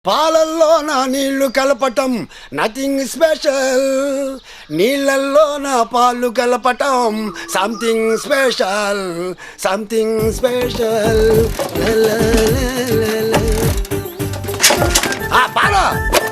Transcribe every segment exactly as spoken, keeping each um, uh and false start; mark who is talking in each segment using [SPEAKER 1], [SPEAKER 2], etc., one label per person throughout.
[SPEAKER 1] పాలల్లో నా నీళ్లు కలపటం నథింగ్ స్పెషల్, నీళ్ళల్లో నా పాలు కలపటం సంథింగ్ స్పెషల్, సంథింగ్ స్పెషల్. పాలు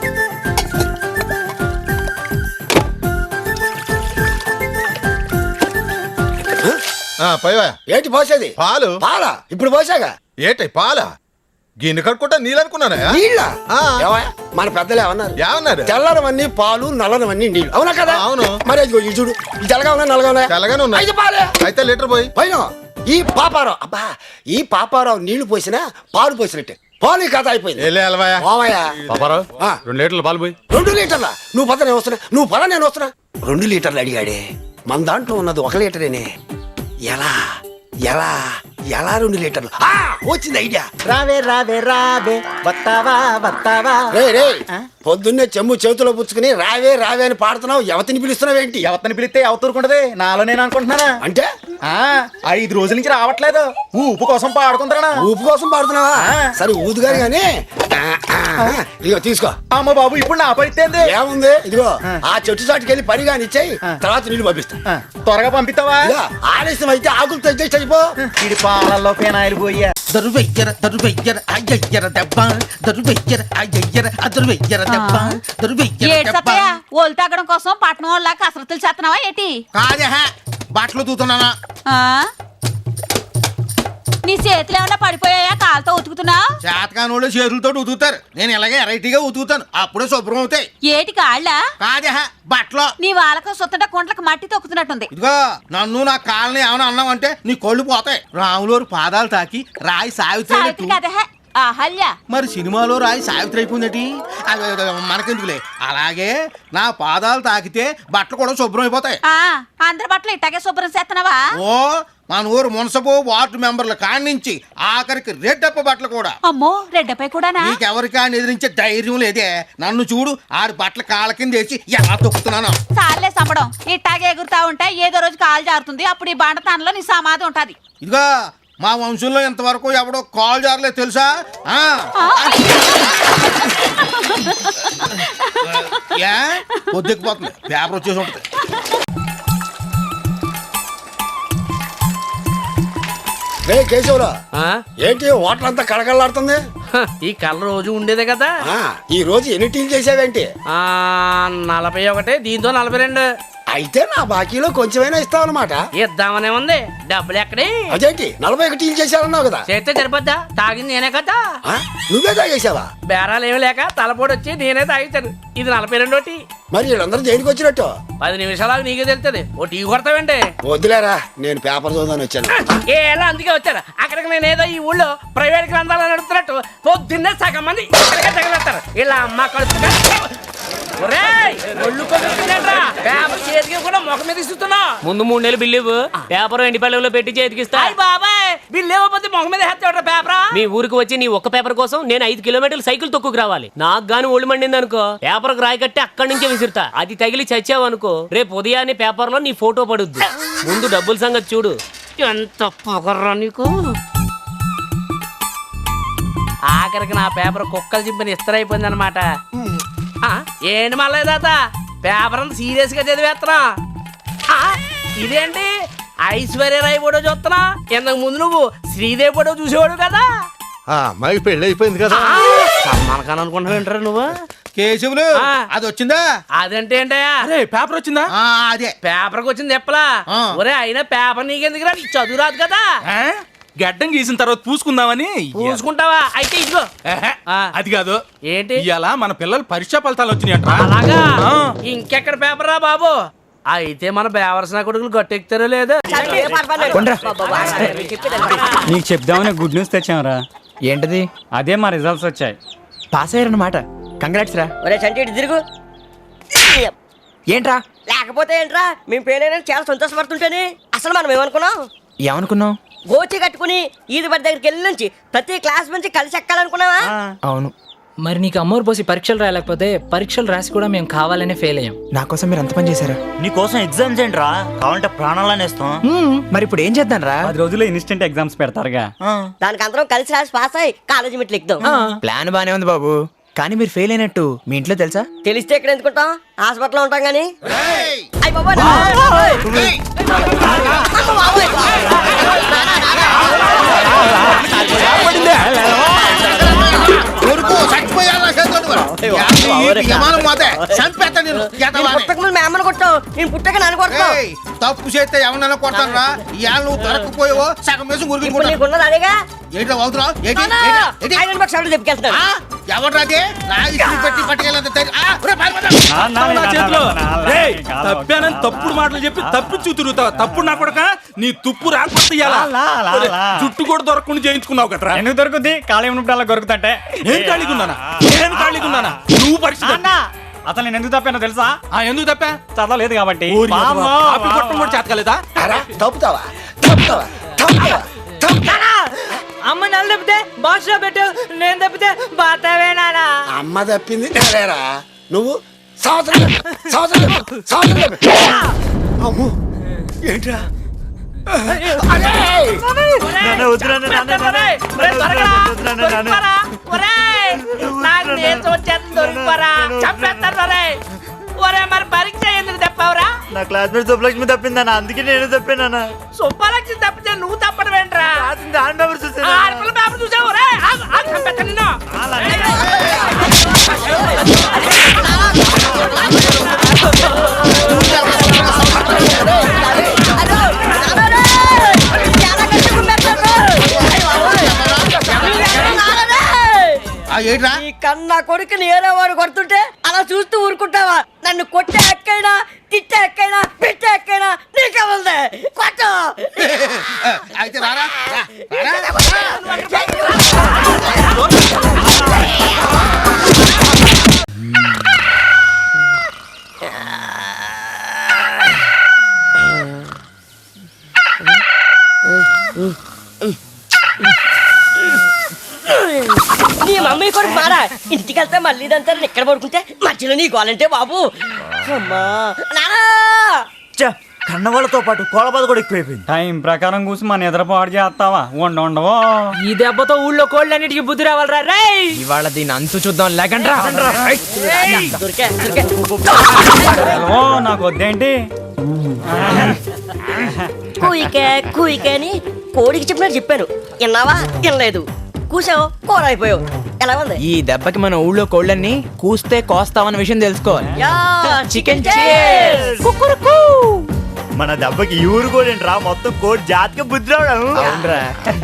[SPEAKER 1] ఏంటి పోసేది?
[SPEAKER 2] పాలు.
[SPEAKER 1] పాలా? ఇప్పుడు పోసాగా.
[SPEAKER 2] ఏంటి పాల? గిన్నె కడుకుంటా నీళ్ళు అనుకున్నానా?
[SPEAKER 1] నీళ్ళ మన పెద్దలు ఏమన్నారు?
[SPEAKER 2] ఏమన్నారు?
[SPEAKER 1] తెల్లనవన్నీ పాలు, నల్లనవన్నీ నీళ్ళు. అవునా కదా?
[SPEAKER 2] అవును.
[SPEAKER 1] మరి అది చూడు, తెల్లగా ఉన్నా నల్లగా ఉన్నా?
[SPEAKER 2] తెల్లగానే ఉన్నా.
[SPEAKER 1] అయితే పాలే.
[SPEAKER 2] అయితే లీటర్ పోయి
[SPEAKER 1] పైన ఈ పాపారావు, అబ్బా ఈ పాపారావు నీళ్లు పోసినా పాలు పోసినట్టే. పాలు కథ అయిపోయింది.
[SPEAKER 2] పాపారావు రెండు లీటర్లు పాలు పోయి.
[SPEAKER 1] రెండు లీటర్ల? నువ్వు పద నేను వస్తున్నా, నువ్వు పద నేను వస్తున్నా. రెండు లీటర్లు అడిగాడే, మన దాంట్లో ఉన్నది ఒక లీటరేనే. ఎలా ఎలా ఎలా రెండు లీటర్లు? వచ్చింది ఐడియా.
[SPEAKER 3] రావే రావే రావే వస్తావా వస్తావా.
[SPEAKER 1] రే రే పొద్దున్నే చెమ్ము చేతిలో పుచ్చుకుని రావే రావే అని పాడుతున్నావు. ఎవతిని పిలుస్తున్నావు ఏంటి?
[SPEAKER 3] ఎవరిని పిలిస్తే ఎవతూరుకుంటది, నాలో నేను అనుకుంటున్నానా?
[SPEAKER 1] అంటే
[SPEAKER 3] ఆ ఐదు రోజుల నుంచి రావట్లేదు, ఊపు కోసం పాడుకుంటున్నా.
[SPEAKER 1] ఊపు కోసం పాడుతున్నావా? సరే ఊదుగాని గాని ఇదిగో తీసుకో.
[SPEAKER 3] అమ్మ బాబు ఇప్పుడు నా పరిస్థితి
[SPEAKER 1] ఏముంది? ఇదిగో ఆ చెట్టు చాటుకి వెళ్ళి పని కాని ఇచ్చాయి, తర్వాత నీళ్ళు పంపిస్తా.
[SPEAKER 3] త్వరగా పంపిస్తావా?
[SPEAKER 1] ఆలస్యం అయితే ఆకులు తెచ్చి అయిపో.
[SPEAKER 3] ఇది పాలల్లో పేనాయిలు పోయా.
[SPEAKER 4] దరువెయ్యర దరువెయ్యర అయ్యయ్యర దెబ్బ, దరువెయ్యర అయ్యయ్యర అదరువెయ్యర దెబ్బ, దరువెయ్యర దెబ్బ.
[SPEAKER 5] ఓలు తాగడం కోసం పట్టణం వాళ్ళ కసరత్తులు చేస్తున్నావా ఏంటి?
[SPEAKER 4] కాదే బట్టలు తూతున్నానా?
[SPEAKER 5] నీ చేతులు ఏమన్నా పడిపోయాయా? కాలుతో ఉతుకుతున్నావు?
[SPEAKER 4] చేతకానోళ్ళు చేతులతో ఉతుకుతారు, నేను ఇలాగే వెరైటీగా ఉతుకుతాను, అప్పుడే శుభ్రం అవుతాయి.
[SPEAKER 5] ఏటి కాళ్ళ?
[SPEAKER 4] కాదే బట్టలు.
[SPEAKER 5] నీ వాళ్ళకు సుత్తట కుంట్లకు మట్టి తొక్కుతున్నట్టుంది.
[SPEAKER 4] ఇదిగో నన్ను నా కాళ్ళని ఏమైనా అన్నావు అంటే నీ కళ్ళు పోతాయి. రాములోరు పాదాలు తాకి రాయి సావిత్రి
[SPEAKER 5] కదే అహల్య.
[SPEAKER 4] మరి సినిమాలో రాయి సావిత్రి అయిపోయిందటి, మనకెందుకులే. అలాగే నా పాదాలు తాకితే బట్టలు కూడా శుభ్రం అయిపోతాయి.
[SPEAKER 5] అందరి బట్టలు ఇట్టాగే శుభ్రం చేస్తున్నావా?
[SPEAKER 4] ఓ మన ఊరు మున్సబు వార్డు మెంబర్ల కాడి నుంచి ఆఖరికి రెడ్డప్ప బట్టలు కూడా.
[SPEAKER 5] అమ్మో రెడ్డపై కూడా
[SPEAKER 4] నీకెవరికాని ఎదిరించే ధైర్యం లేదే. నన్ను చూడు, ఆడి బట్టలు కాళ్ళ కింద వేసి ఎలా తొక్కుతున్నాను.
[SPEAKER 5] చాలే సంబడం, ఇట్టాగే ఎగురుతా ఉంటే ఏదో రోజు కాలు జారుతుంది, అప్పుడు ఈ బండతానంలో నీ సమాధి ఉంటది.
[SPEAKER 4] ఇదిగో మా వంశంలో ఇంతవరకు ఎవడో కాల్ జారలేదు తెలుసా? ఏ పొద్దుకుపోతుంది, పేపర్ వచ్చేసి ఉంటుంది.
[SPEAKER 1] కేశవరా ఏంటి వాటర్ అంతా కళకళలాడుతుంది?
[SPEAKER 6] ఈ కలర్ రోజు ఉండేదే కదా.
[SPEAKER 1] ఈ రోజు ఎన్ని టీలు చేసావేంటి?
[SPEAKER 6] ఆ నలభై ఒకటి, దీంతో నలభై రెండు.
[SPEAKER 1] అయితే నా బాకీలో కొంచెమైనా ఇస్తావన్నమాట.
[SPEAKER 6] ఇద్దామనే ఉంది, డబ్బులు ఎక్కడి?
[SPEAKER 1] అదేంటి నలభై ఒకటి టీలు చేసావన్నావు కదా?
[SPEAKER 6] చేస్తే సరిపోద్దా? తాగింది నేనే కదా.
[SPEAKER 1] నువ్వే తాగేసావా?
[SPEAKER 6] బేరాలు ఏమి లేక తలపోటు వచ్చి నేనే తాగించాను. ఇది నలభై రెండో టీ.
[SPEAKER 1] మరి వీళ్ళందరూ దేనికి వచ్చినట్టు?
[SPEAKER 6] పది నిమిషాలకు నీకే తెలుస్తుంది. O T కొడతావేంటి?
[SPEAKER 1] వద్దులేరా, నేను పేపర్ చదువుదాని వచ్చాను.
[SPEAKER 6] ఏలా అందుకే వచ్చాను. అక్కడికి నేను ఏదో ఈ ఊళ్ళో ప్రైవేట్ గ్రంథాలు నడుపుతున్నట్టు పొద్దున్నే సగం మంది ఇక్కడికే తగలేస్తారు. ఇలా అమ్మ కడుపు
[SPEAKER 7] ముందు మూడు నెలలు బిల్లు పేపర్ ఎండి పల్లెలో పెట్టి చేతికిస్తా.
[SPEAKER 6] బాబాయ్ బిల్లు ఇవ్వకపోతే మొహం మీద హెత్తాడు పేపర్.
[SPEAKER 7] మీ ఊరికి వచ్చి నీ ఒక్క పేపర్ కోసం నేను ఐదు కిలోమీటర్లు సైకిల్ తొక్కుకు రావాలి. నాకు గాని ఒళ్ళు మండింది అనుకో, పేపర్ రాయి కట్టి అక్కడి నుంచే విసిరుతా. అది తగిలి చచ్చావు అనుకో, రేపు ఉదయాన్నే పేపర్ లో నీ ఫోటో పడుద్ది. ముందు డబ్బుల సంగతి చూడు.
[SPEAKER 6] ఎంత పొగర్రా నీకు. ఆఖరికి నా పేపర్ కుక్కలు చింపిన ఇస్తరైపోయింది అనమాట. ఏంటి మళ్ళీ తాత పేపర్ అంతా సీరియస్ గా చదివేస్తున్నా? ఇదేంటి ఐశ్వర్య రాయ్ ఫోటో చూస్తున్నా? ఇంతకు ముందు నువ్వు శ్రీదేవి ఫోటో చూసేవాడు కదా.
[SPEAKER 2] అమ్మాయికి పెళ్లి అయిపోయింది కదా.
[SPEAKER 6] సల్మాన్ అనుకుంటా వింటారా నువ్వు?
[SPEAKER 4] కేశవులు అది వచ్చిందా?
[SPEAKER 6] అదంటే ఏంటయ్యా?
[SPEAKER 4] అరే పేపర్ వచ్చిందా? అదే
[SPEAKER 6] పేపర్ కి వచ్చింది ఎప్పలా. ఒరే అయినా పేపర్ నీకెందుకు రా, చదువు రాదు కదా.
[SPEAKER 8] గడ్డం గీసిన తర్వాత పూసుకుందామని.
[SPEAKER 6] పూసుకుంటావా? అయితే ఇదిగో.
[SPEAKER 8] అది కాదు.
[SPEAKER 6] ఏంటి?
[SPEAKER 8] ఇలా మన పిల్లలు పరీక్షా ఫలితాలు వచ్చినాయంట.
[SPEAKER 6] అలాగా? ఇంకెక్కడ పేపర్ రా బాబు. అయితే మన బేవరసిన కొడుకులు గట్టెక్కుతారో లేదో.
[SPEAKER 9] నీకు చెప్దామని గుడ్ న్యూస్ తెచ్చాంరా.
[SPEAKER 3] ఏంటది?
[SPEAKER 9] అదే మా రిజల్ట్స్ వచ్చాయి.
[SPEAKER 3] పాస్ అయ్యారన్నమాట. కంగ్రాట్స్ రా.
[SPEAKER 10] ఒరే చంటి ఇటు తిరుగు.
[SPEAKER 3] ఏంట్రా?
[SPEAKER 10] లేకపోతే ఏంట్రా, మేము ఫెయిల్ అయినా చాలా సంతోషపడుతుంటేనే. అసలు మనం ఏమనుకున్నాం?
[SPEAKER 3] ఏమనుకున్నావు?
[SPEAKER 10] గోచి కట్టుకుని ఈది బడి దగ్గరికి వెళ్ళి నుంచి ప్రతి క్లాస్ నుంచి కలిసి ఎక్కాలనుకున్నావా?
[SPEAKER 3] అవును.
[SPEAKER 11] మరి నీకు అమ్మోరు పోసి పరీక్షలు రాయలేకపోతే పరీక్షలు రాసి కూడా మేము కావాలనే ఫెయిల్ అయ్యాం.
[SPEAKER 3] నా కోసం మీరు అంత పని చేశారా?
[SPEAKER 12] నీ కోసం ఎగ్జామ్స్ ఏంట్రా, కావాలంటే ప్రాణాలని ఇస్తాం.
[SPEAKER 3] మరి ఇప్పుడు ఏం చేద్దాం రా?
[SPEAKER 9] పది రోజుల్లో ఇన్స్టెంట్ ఎగ్జామ్స్ పెడతారుగా,
[SPEAKER 10] దానికి అందరం కలిసి రాసి పాస్ అయ్యి కాలేజీ మెట్లు ఎక్కుదాం.
[SPEAKER 3] ప్లాన్ బానే ఉంది బాబు.
[SPEAKER 11] కానీ మీరు ఫెయిల్ అయినట్టు మీ ఇంట్లో తెలుసా?
[SPEAKER 10] తెలిస్తే ఎక్కడ ఎందుకుంటాం, హాస్పిటల్లో ఉంటాం కానీ. అయ్ బాబోయ్. అమ్మ బాబోయ్.
[SPEAKER 4] కొడుకు చచ్చిపోయాడు నా చేతిలో నువ్వు. ఈ విమానం పోతే చంపేస్తా నేను.
[SPEAKER 10] నేను పుట్టక ముందు మీ అమ్మని కొట్టావు, నేను పుట్టక నన్ను కొడతావు.
[SPEAKER 4] ఏయ్, తప్పు చేస్తే ఎవరినైనా కొడతాను రా. ఇవాళ నువ్వు దొరకపోయావో సగం వేసి
[SPEAKER 10] ఇప్పుడు
[SPEAKER 4] మురిగి
[SPEAKER 10] నీకున్నది అదేగా.
[SPEAKER 4] ఏంటో అవుతున్నావు ఏంటి
[SPEAKER 10] నాన్న,
[SPEAKER 4] ఏంటి? ఏంటి?
[SPEAKER 10] ఐరన్ బాక్స్ ఎవరు చెప్పుకెళ్తాడు?
[SPEAKER 4] ఎవడ్రాదే నా ఇస్త్రీ పెట్టి పట్టుకెళ్ళంత ధైర్యం? ఆ, ఒరేయ్, పారిపోతా.
[SPEAKER 8] నా చేతిలో రేయ్, తప్పానని తప్పుడు మాటలు చెప్పి తప్పించు తిరుగుతావు. తప్పుడు నా కొడక నీ తుప్పు రాకపోతే ఇయ్యాలా? ఒరేయ్, జుట్టు కూడా దొరకకుండా చేయించుకున్నావు కదరా.
[SPEAKER 9] ఎందుకు దొరుకుద్ది? ఖాళీ ఉన్నప్పుడు అలా దొరుకుతుంటే
[SPEAKER 8] నేను ఖాళీగా ఉన్నానా? నేను ఖాళీగా ఉన్నానా? నువ్వు పరిస్థితి
[SPEAKER 9] అసలు నేను ఎందుకు తప్పానో తెలుసా?
[SPEAKER 8] ఆ, ఎందుకు తప్పా?
[SPEAKER 9] చదవలేదు కాబట్టి.
[SPEAKER 8] ఊరి మీద
[SPEAKER 9] పాపం.
[SPEAKER 8] కాపీ కొట్టడం కూడా చేతకాలేదా?
[SPEAKER 1] అరా తప్పుతావా తప్పుతావా తప్పుతావా తప్పుతావా?
[SPEAKER 11] అమ్మ నన్ను తప్పితే బాక్స్ లో పెట్టు, నేను తప్పితే బాతావే నానా.
[SPEAKER 1] అమ్మ తప్పింది నేనేరా. నువ్వు సంవత్సరం చెప్పు, సంవత్సరం చెప్పు, సంవత్సరం చెప్పు. అమ్మో ఏంట్రా? అరే!
[SPEAKER 6] నాకు నీరసం వచ్చేస్తుంది, దొరికిపోరా, చంపేస్తారు రే. ఒరే మరి పరీక్ష ఎందుకు తప్పావురా?
[SPEAKER 12] నా క్లాస్మేట్ సుబ్బలక్ష్మి తప్పిందన్న, అందుకే నేను తప్పానన్నా.
[SPEAKER 6] సుబ్బలక్ష్మి తప్పితే నువ్వు తప్పడం ఏంట్రా?
[SPEAKER 12] దాని పేపర్ చూసాను.
[SPEAKER 6] ఆడపిల్ల పేపర్ చూసావు రే? ఆగు, ఆగు, చంపేస్తా నిన్ను.
[SPEAKER 4] ఆ, ఏంట్రా?
[SPEAKER 10] ఈ కన్నా కొడుకు నేరే వాడు కొడుతుంటే అలా చూస్తూ ఊరుకుంటావా? నన్ను కొట్టే ఎక్కైనా, తిట్టే ఎక్కైనా, పెట్టే ఎక్కైనా నీకే ఉంది. కొట్టు.
[SPEAKER 4] అయితే రారా రా, రారా.
[SPEAKER 10] నీ మమ్మీ కొడుకు మారా. ఇంటికి వెళ్తే మళ్ళీ ఇదంతా ఇక్కడ పడుకుంటే మధ్యలో నీ గోలంటే బాబు. అమ్మా నానా.
[SPEAKER 12] కన్నవాళ్ళతో పాటు కోలబాధ కూడా ఎక్కువైపోయింది.
[SPEAKER 9] టైం ప్రకారం కూసి మన నిద్రపాటు చేస్తావా? ఉండ ఉండవో.
[SPEAKER 11] ఈ దెబ్బతో ఊళ్ళో కోళ్ళన్నిటికీ బుద్ధి రావాలరా రే. ఇవాళ దీని అంతు చూద్దాం లేకండ్రా.
[SPEAKER 10] దొరికే దొరికే.
[SPEAKER 9] ఓ నాకు వద్దేంటి?
[SPEAKER 10] కూయికే కూయికే అని కోడికి చెప్పినట్టు చెప్పాను, విన్నావా? వినలేదు. కూసావు, కూర అయిపోయావు. ఎలా ఉంది?
[SPEAKER 11] ఈ దెబ్బకి మన ఊళ్ళో కోళ్ళన్ని కూస్తే కోస్తామన్న విషయం తెలుసుకోవాలి.
[SPEAKER 10] Yeah,
[SPEAKER 11] chicken
[SPEAKER 10] cheers.
[SPEAKER 12] మన దెబ్బకి ఈ ఊరు కూడా రా, మొత్తం కోడి జాతికి బుద్ధి రావడం.
[SPEAKER 11] అవునరా.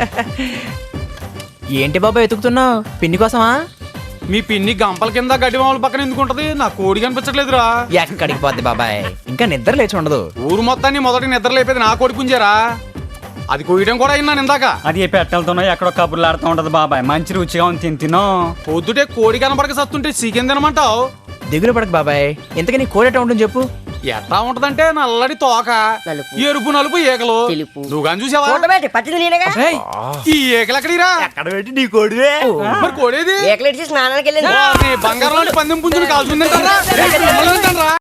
[SPEAKER 11] ఏంటి బాబా ఎతుకుతున్నావు? పిన్ని కోసమా?
[SPEAKER 8] మీ పిన్ని గంపల కింద గడ్డి మామూలు పక్కన ఎందుకు ఉంటది? నా కోడి కనిపించట్లేదురా.
[SPEAKER 11] ఎక్కడికి పోద్ది బాబాయ్, ఇంకా నిద్ర లేచి ఉండదు.
[SPEAKER 8] ఊరు మొత్తాన్ని మొదటి నిద్ర లేపేది నా కోడి పుంజారా. అది కోయడం కూడా అయినా ఇందాక.
[SPEAKER 9] అది ఏ పెట్టెలతోనో ఎక్కడో కబుర్లు ఆడుతూ ఉంటది బాబాయ్. మంచి రుచిగా ఉంది, తిని తినో.
[SPEAKER 8] పొద్దుటే కోడి కనబడక సత్తుంటే చికెన్ తినమంటావు?
[SPEAKER 11] దిగులు పడక బాబాయ్. ఇంతకీ నీ కోడి ఎట్లా ఉంటుంది చెప్పు.
[SPEAKER 8] ఎట్లా ఉంటదంటే నల్లడి తోక,
[SPEAKER 10] నలుపు,
[SPEAKER 8] ఎరుపు నలుపు ఏకలు.
[SPEAKER 10] తెలుపు.
[SPEAKER 8] నువ్వు కానీ చూసావా?
[SPEAKER 10] చూడబెట్టి పట్టింది నేనేగా.
[SPEAKER 11] ఏయ్,
[SPEAKER 8] ఈ ఏకలు ఎక్కడిరా?
[SPEAKER 12] ఎక్కడ పెట్టి నీ కోడివే.
[SPEAKER 8] మరి కోడేది?
[SPEAKER 10] ఏకలేట్ చేసి స్నానానికి వెళ్ళింది.
[SPEAKER 8] బంగారం పందెం పుంజుని కాల్చుందంటారా?